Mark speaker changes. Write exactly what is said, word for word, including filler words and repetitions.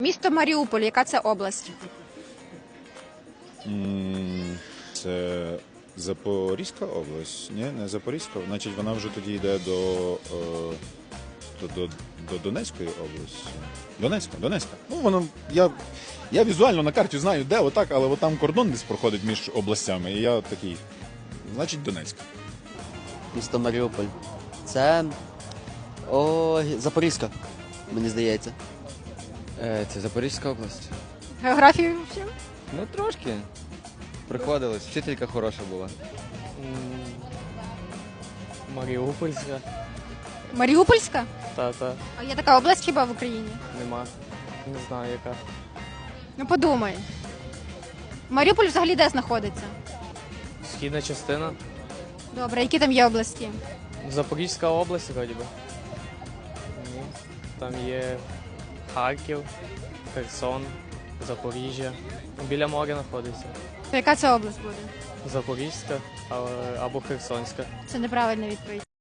Speaker 1: Місто Маріуполь, яка це область?
Speaker 2: М, Це Запорізька область? Ні, не Запорізька. Значить, вона вже тоді йде до, е, до, до, до Донецької області. Донецька, Донецька. Ну, воно, я, я візуально на карті знаю, де, отак, але от там кордон десь проходить між областями. І я такий, значить, Донецька.
Speaker 3: Місто Маріуполь. Це о, Запорізька, мені здається.
Speaker 4: Е, Це Запорізька область.
Speaker 1: Географію вчив?
Speaker 4: Ну трошки. Приходилось. Вчителька хороша була.
Speaker 5: Маріупольська.
Speaker 1: Маріупольська?
Speaker 5: Та-та.
Speaker 1: А є така область хіба в Україні?
Speaker 5: Нема. Не знаю яка.
Speaker 1: Ну подумай. Маріуполь взагалі де знаходиться?
Speaker 5: Східна частина.
Speaker 1: Добре, які там є області?
Speaker 5: Запорізька область, вроді би. Ні. Там є Харків, Херсон, Запоріжжя. Біля моря знаходиться.
Speaker 1: То яка це область буде?
Speaker 5: Запорізька а- або Херсонська.
Speaker 1: Це неправильна відповідь.